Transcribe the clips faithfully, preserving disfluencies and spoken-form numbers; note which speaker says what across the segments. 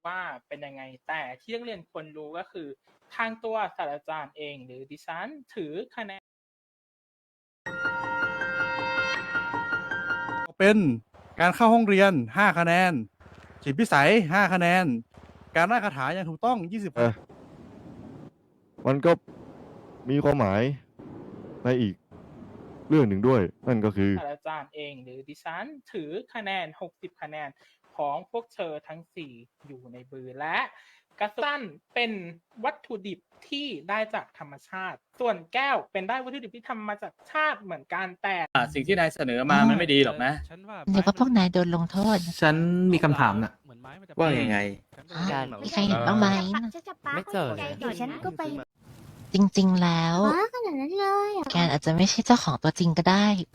Speaker 1: ว่าเป็นยังไงแต่ที่นักเรียนควรรู้ก็คือทางตัวศาสตราจารย์เองหรือดิฉันถือคะแนน
Speaker 2: เป็นการเข้าห้องเรียนห้าคะแนนจิตพิสัยห้าคะแนนการร่ายคาถาอย่างถูกต้องยี่สิบ
Speaker 3: เออมันก็มีความหมายในอีกเรื่องหนึ่งด้วย นั่นก็คือ
Speaker 1: ศาสตราจารย์เองหรือดิฉันถือคะแนนหกสิบคะแนนของพวกเธอทั้งสี่อยู่ในมือและกระสั้นเป็นวัตถุดิบที่ได้จากธรรมชาติ ส่วนแก้วเป็นได้วัตถุดิบที่ทำมาจากชาติเหมือนกันแต่
Speaker 4: สิ่งที่นายเสนอมามันไม่ดีหรอกนะ
Speaker 5: เดี๋ยวว่าพวกนายโดนลงโทษ
Speaker 6: ฉันมีคำถามน่ะ
Speaker 4: ว่ายังไง
Speaker 5: อ่ะมีใครเห็นบ้างไหม
Speaker 7: ไม่เจอเดี๋ยวฉันก็ไป
Speaker 5: จริง ๆ แล้ว
Speaker 7: ว้าขนาดนั้นเลยอ่ะ
Speaker 5: แกนอาจจะไม่ใช่เจ้าของตัวจริงก็ได้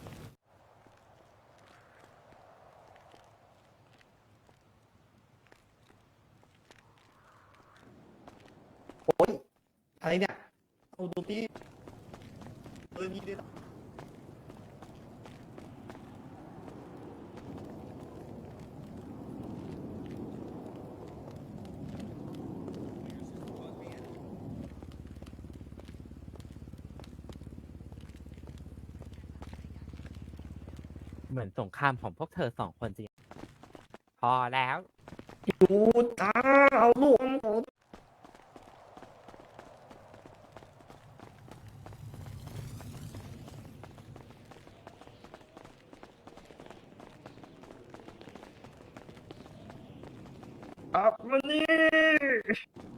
Speaker 6: อะไรเนี่ยเอาดูที่เออนี่ด้วย
Speaker 8: เหมือนสงครามของพวกเธอสองคนจริง พอแล้ว
Speaker 6: ดูตาเอาลูกของอับมานี่